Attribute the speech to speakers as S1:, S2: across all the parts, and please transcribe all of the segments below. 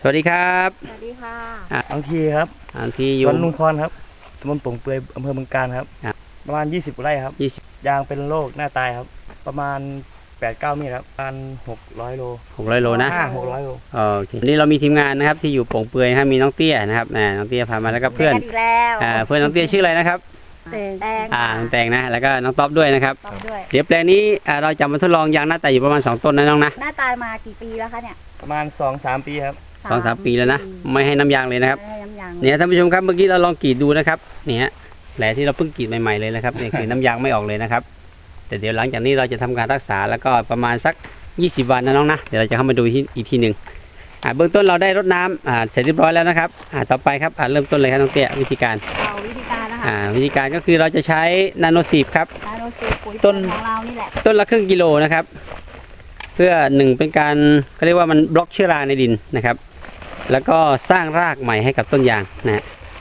S1: วัสดีครับ
S2: สวัสดีค่ะ
S3: อังทีครับ
S1: อังทีอยู่
S3: สวนลุงพรครับตำบลโป่งเปื่อยอำเภอเมืองกาญครับประมาณ20 ไร่ครับยางเป็นโรคหน้าตายครับประมาณ8-9 เมตรครับประมาณ600 โล
S1: 600 โลนะ
S3: 600 โล
S1: โอเคนี่เรามีทีมงานนะครับที่อยู่โป่งเปื่อยมีน้องเตี้ยนะครับน้องเตี้ยพามาแล้วก็เพื่อนเพื่อนน้องเตี้ยชื่ออะไรนะครับแตงนะแล้วก็น้องต๊อบด้วยนะครับเดี๋ยวแปลงนี้เราจะมาทดลองยางหน้าตายอยู่ประมาณ2 ต้นนะน้องนะ
S2: หน้าตายมากี่ปีแล้วคะเนี่ย
S3: ประมาณ 2-3 ปีครับ
S1: 2-3 ปีแล้วนะไม่ให้น้ำยางเลยนะครับเนี่ยท่านผู้ชมครับเมื่อกี้เราลองกรีดดูนะครับเนี่ยแผลที่เราเพิ่งกรีดใหม่ๆเลยนะครับนี่คือน้ำยางไม่ออกเลยนะครับแต่เดี๋ยวหลังจากนี้เราจะทำการรักษาแล้วก็ประมาณสัก20 วันนะน้องนะเดี๋ยวเราจะเข้ามาดูอีกทีหนึ่งเบื้องต้นเราได้รดน้ำเสร็จเรียบร้อยแล้วนะครับต่อไปครับเริ่มต้นเลยครับน้องเตี้ยวิธีการนะคะวิธีการก็คือเราจะใช้นาโนซีฟครับ
S2: ต้นของเรานี่แหละ
S1: ต้นละครึ่งกิโลนะครับเพื่อ1เป็นการเขาเรียกว่ามันบล็อกเชื้อราในดินนะครับแล้วก็สร้างรากใหม่ให้กับต้นยางนะ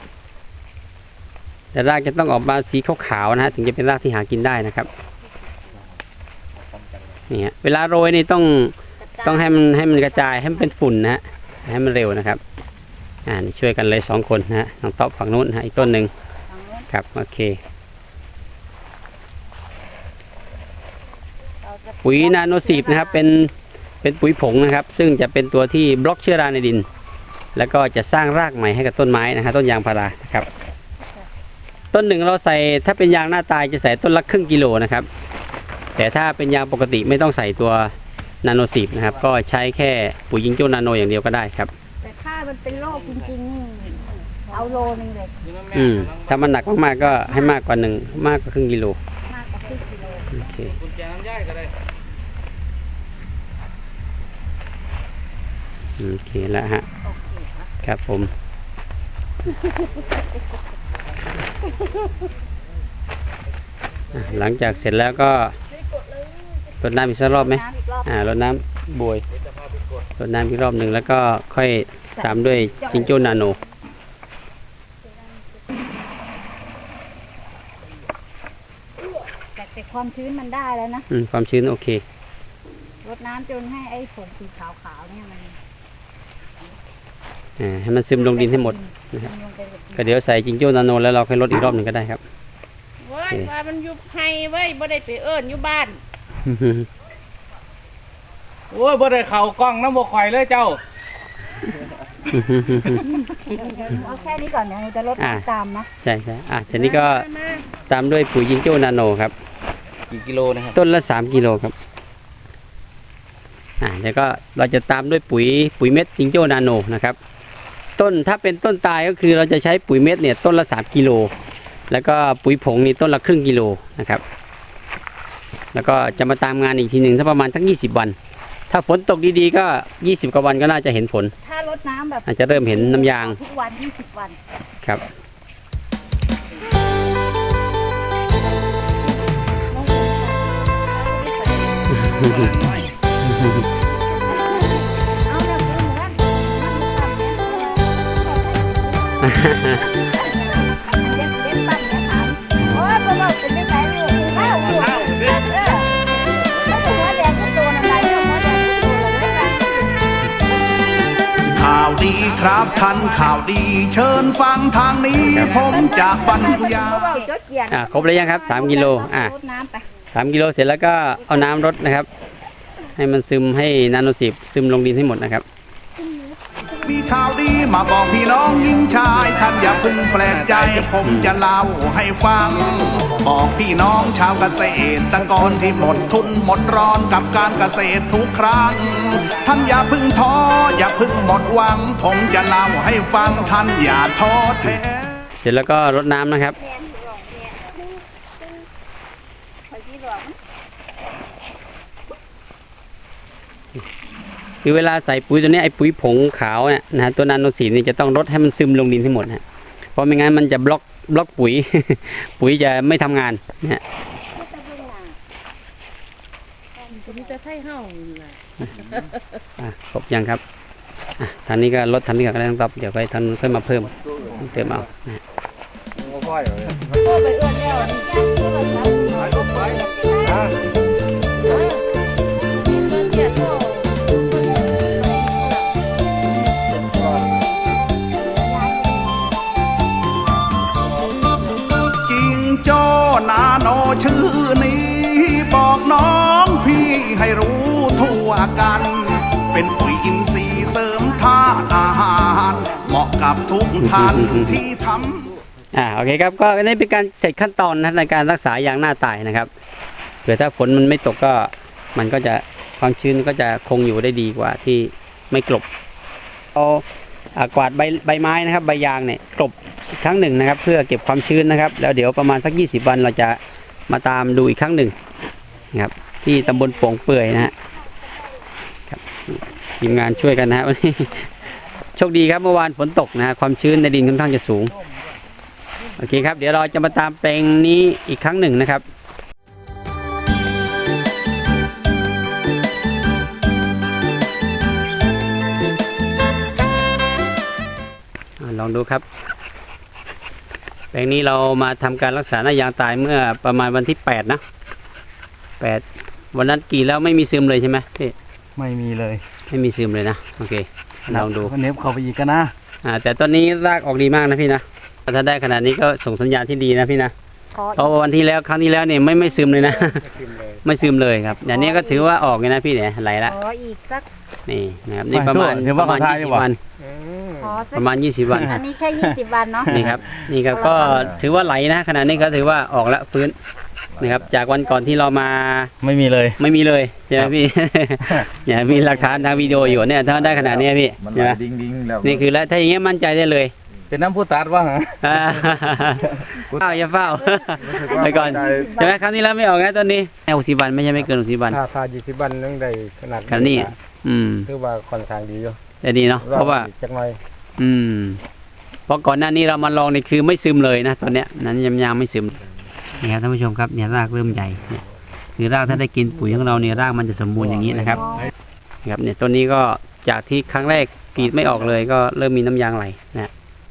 S1: แต่รากจะต้องออกมาสีขาวๆนะฮะถึงจะเป็นรากที่หากินได้นะครับนี่เวลาโรยนี่ต้องให้มันกระจายให้มันเป็นฝุ่นนะฮะให้มันเร็วนะครับช่วยกันเลย2 คนนะฮะน้องต๊อบฝั่งนู้นอีกต้นหนึ่งครับโอเคปุ๋ยนาโนซีฟนะครับเป็นปุ๋ยผงนะครับซึ่งจะเป็นตัวที่บล็อกเชื้อราในดินแล้วก็จะสร้างรากใหม่ให้กับต้นไม้นะฮะต้นยางพารานะครับต้นหนึ่งเราใส่ถ้าเป็นยางหน้าตายจะใส่ต้นละครึ่งกิโลนะครับแต่ถ้าเป็นยางปกติไม่ต้องใส่ตัวนาโนซีฟนะครับก็ใช้แค่ปุ๋ยยิงโจ้นาโนอย่างเดียวก็ได้ครับ
S2: แต่ถ้ามันเป็นโรคจริงๆเอาโลนึงเลย
S1: ถ้ามันหนักมากๆก็ให้มากกว่าครึ่งกิโล
S2: มากกว่าครึ่งกิโล
S1: โอเคกุญแจน้ำย่ายก็ได้โอเคแล้วฮะครับผมหลังจากเสร็จแล้วก็รดน้ำอีกสักรอบไหมรดน้ำบวยรดน้ำอีกรอบหนึ่งแล้วก็ค่อยตามด้วยจิงโจ้นาโน
S2: แต่ความชื้นมันได้แล้วนะ
S1: ความชื้นโอเค
S2: รดน้ำจนให้ไอ้ผงสีขาวๆเนี่ยมัน
S1: ให้มันซึมลงดินให้หมดนะครับก็เดี๋ยวใส่จิงโจ้นาโนแล้วเราค่อยลดอีกรอบหนึ่งก็ได้ครับ
S4: ว่ามันยุบให้ไว้บ่ได้ไปเอิ้นอยู่บ้าน
S3: โอ้ยบ่ได้เข่ากล้องน้ำบ่ข่อยเลยเจ้า
S2: เอาแค่นี้ก่อนเดี๋ยวจะลดตามนะ
S1: ใช่ทีนี้ก็ตามด้วยปุ๋ยจิงโจ้นาโนครับ
S3: กี่กิโลนะครับ
S1: ต้นละ3 กิโลครับแล้วก็เราจะตามด้วยปุ๋ยเม็ดจิงโจ้นาโนนะครับถ้าเป็นต้นตายก็คือเราจะใช้ปุ๋ยเม็ดเนี่ยต้นละ3 กิโลแล้วก็ปุ๋ยผงนี่ต้นละครึ่งกิโลนะครับแล้วก็จะมาตามงานอีกทีหนึ่งถ้าประมาณทั้ง20 วันถ้าฝนตกดีๆก็20 กว่าวันก็น่าจะเห็นผล
S2: ถ้ารดน้ำแบบ
S1: อาจจะเริ่มเห็นน้ำยาง
S2: ทุกวัน20 วัน
S1: ครับ
S5: ข่าวดีครับท่านข่าวดีเชิญฟังทางนี้ผมจะบรรยาย
S1: ครบแล้วยังครับ3 กิโล3 กิโลเสร็จแล้วก็เอาน้ำรดนะครับให้มันซึมให้นาโนซีฟซึมลงดินให้หมดนะครับ
S5: มีข่าวดีมาบอกพี่น้องหญิงชายท่านอย่าเพิ่งแปลกใจผมจะเล่าให้ฟังบอกพี่น้องชาวเกษตรกรที่หมดทุนหมดร้อนกับการเกษตรทุกครั้งท่านอย่าเพิ่งท้ออย่าเพิ่งหมดหวังผมจะเล่าให้ฟังท่านอย่าท้อแท้
S1: เสร็จแล้วก็รดน้ำนะครับคือเวลาใส่ปุ๋ยตัวนี้ไอ้ปุ๋ยผงขาวเนี่ยนะตัวนาโนซีฟนี่จะต้องรดให้มันซึมลงดินให้หมดนะเพราะไม่งั้นมันจะบล็อกปุ๋ย ปุ๋ยจะไม่ทำงานนะฮะครบยังครับทางนี้ก็ลดทางนี้ก็ได้ต้องตอบเดี๋ยวไปทางค่อยมาเพิ่มเอานะ
S5: ให้รู้ทั่วกัน เป็นปุ๋ยอินทรีย์เสริมธาตุอาหารเหมาะกับทุกท่านที่ทำ
S1: โอเคครับก็นี่เป็นการเสร็จขั้นตอนนะในการรักษายางหน้าตายนะครับเผื่อถ้าฝนมันไม่ตกก็มันก็จะความชื้นก็จะคงอยู่ได้ดีกว่าที่ไม่กลบเอากวาดใบไม้นะครับใบยางเนี่ยกลบอีกครั้งหนึ่งนะครับเพื่อเก็บความชื้นนะครับแล้วเดี๋ยวประมาณสัก20 วันเราจะมาตามดูอีกครั้งหนึ่งนะครับที่ตำบลโป่งเปื่อยนะฮะครับทีมงานช่วยกันนะฮะวันนี้โชคดีครับเมื่อวานฝนตกนะฮะความชื้นในดินค่อนข้างจะสูงโอเคครับเดี๋ยวเราจะมาตามแปลงนี้อีกครั้งหนึ่งนะครับลองดูครับแปลงนี้เรามาทำการรักษาหน้ายางตายเมื่อประมาณวันที่8นะ8วันนั้นกรีดแล้วไม่มีซึมเลยใช่ไหมพี่
S3: ไม่มีเลย
S1: ไม่มีซึมเลยนะโอเคลองดู
S3: ก็เน็บเข้าไปอีกกันนะ
S1: แต่ตอนนี้รากออกดีมากนะพี่นะถ้าได้ขนาดนี้ก็ส่งสัญญาณที่ดีนะพี่นะเพราะวันที่แล้วครั้งที่แล้วเนี่ยไม่ซึมเลยนะไม่ซึมเลยครับอย่างนี้ก็ถือว่าออกเลยนะพี่เนี่ยไหลละ
S2: ขออีกสัก
S1: นี่นะครับนี่ประมาณ20 วันประมาณ20 วัน
S2: อันนี้แค่20 วันเนาะ
S1: นี่ครับนี่ครับก็ถือว่าไหลนะขนาดนี้ก็ถือว่าออกแล้วฟื้นนะครับจากวันก่อนที่เรามา
S3: ไม่มีเลย
S1: ไม่มีเลยใช่ไหมพี่ เนี่ยมีหลักฐานทางวิดีโออยู่เนี่ยถ้าได้ขนาดนี้พี่
S6: มัน
S1: ใช่ไหม
S6: ดิ้งแล้ว
S1: นี่คือแล้วถ้าอย่างเงี้ยมั่นใจได้เลย
S3: เป็นน้ำผู้ตัดว่าฮะ
S1: เฝ้าอย่าเฝ้าไปก่อนใช่ไหมครั้งนี้แล้วไม่ออกนะตอนนี้60 วันไม่ใช่ไม่เกิน60 วัน
S3: ถ้า20 วันนึงได้ขนาด
S1: ครั้งนี้
S3: คือว่าค่อนข้างดีอยู่
S1: แต่ดีเนาะเพราะว่า
S3: จักหน่อย
S1: เพราะก่อนหน้านี้เรามาลองนี่คือไม่ซึมเลยนะตอนเนี้ยนั้นยางไม่ซึมนี่ครับท่านผู้ชมครับเนี่ยรากเริ่มใหญ่เนี่ยคือรากถ้าได้กินปุ๋ยของเราเนี่ยรากมันจะสมบูรณ์อย่างนี้นะครับครับเนี่ยต้นนี้ก็จากที่ครั้งแรกกรีดไม่ออกเลยก็เริ่มมีน้ำยางไหลนะ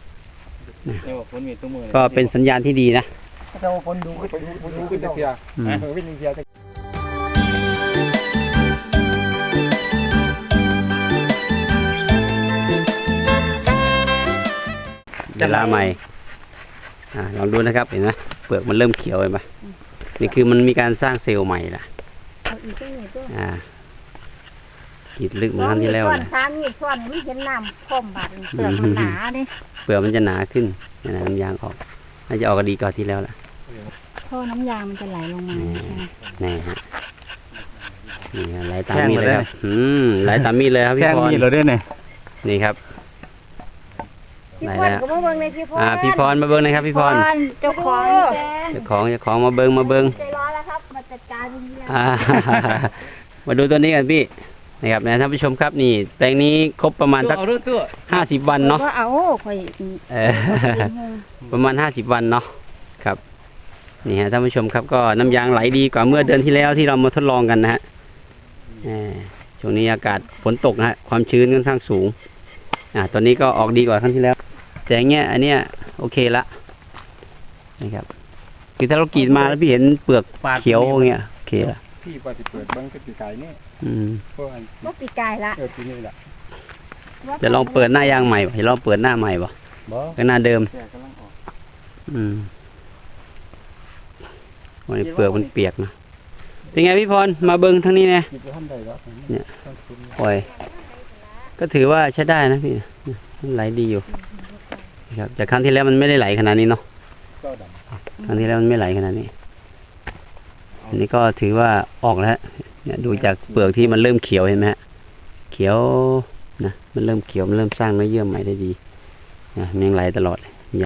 S1: ก็เป็นสัญญาณที่ดีนะ
S3: เจ้าคนดูก็ดูขึ้นเทียวิ่งเทีย
S1: เวลาใหม่ลองดูนะครับเห็นไหมเปลือกมันเริ่มเขียวเห็นไหมนี่คือมันมีการสร้างเซลล์ใหม่ละ
S2: เอาอีกตัวหนึ่งตัว
S1: กรีดลึกเหมือนครั้งที่แล้ว
S2: ส่วน
S1: นะ
S2: ช้ามีส่วนไม่เห็นน้ำข้มบาดเปลือกมันหนาดิ
S1: เปลือกมันจะหนาขึ้นนะน้ำยางออกน่าจะออกดีกว่าที่แล้วล่ะ
S2: ท่อน้ำยางมันจะไหลลงมา
S1: นี่ฮะนี่ฮะไหลตามมีดเลยครับไหลตามมีดเลยครับพี่พร
S3: มีดเราด้วยเนี่ย
S1: นี่ครับ
S2: พี่พรก็มาเบิ่งในพี่พร
S1: พี่พรมาเบิ้งนะครับพี่พร
S2: เจ้าของ
S1: เจ้าของมาเบิ้ง
S2: ใจร้อนแล้วครับมาจัดการตรงนี้แล้ว
S1: มาดูตัวนี้กันพี่นะครับนะท่านผู้ชมครับนี่แปลงนี้ครบประมาณสัก50 วันเนาะ
S2: ก็เอาค่อย
S1: ประมาณ50 วันเนาะครับนี่ฮะท่านผู้ชมครับก็น้ำยางไหลดีกว่าเมื่อเดือนที่แล้วที่เรามาทดลองกันนะฮะช่วงนี้อากาศฝนตกนะฮะความชื้นค่อนข้างสูงตอนนี้ก็ออกดีกว่าครั้งที่แล้วแต่เงี้ยอันเนี้ยโอเคละนะครับคือถ้าเรากรีดมาแล้วพี่เห็นเปลือกเขียวเงี้ยโอเคละ
S3: พี่ว่าจะเปิดบังก็ปีกายนี่
S2: ก็ปีกายละ
S3: ปีนี้แหละ
S1: จะลองเปิดหน้ายางใหม่จะลองเปิดหน้าใหม่ป่ะก็หน้าเดิมวันนี้เปลือกมันเปียกนะเป็นไงพี่พรมาเบิ้งทั้งนี้เนี่ยโอ้ยก็ถือว่าใช้ได้นะพี่ไหลดีอยู่ครับจากครั้งที่แล้วมันไม่ได้ไหลขนาดนี้เนาะครั้งที่แล้วมันไม่ไหลขนาดนี้อันนี้ก็ถือว่าออกแล้วเนี่ยดูจากเปลือกที่มันเริ่มเขียวเห็นไหมฮะเขียวนะมันเริ่มเขียวมันเริ่มสร้างเนื้อเยื่อใหม่ได้ดีนะมันยังไหลตลอดเลย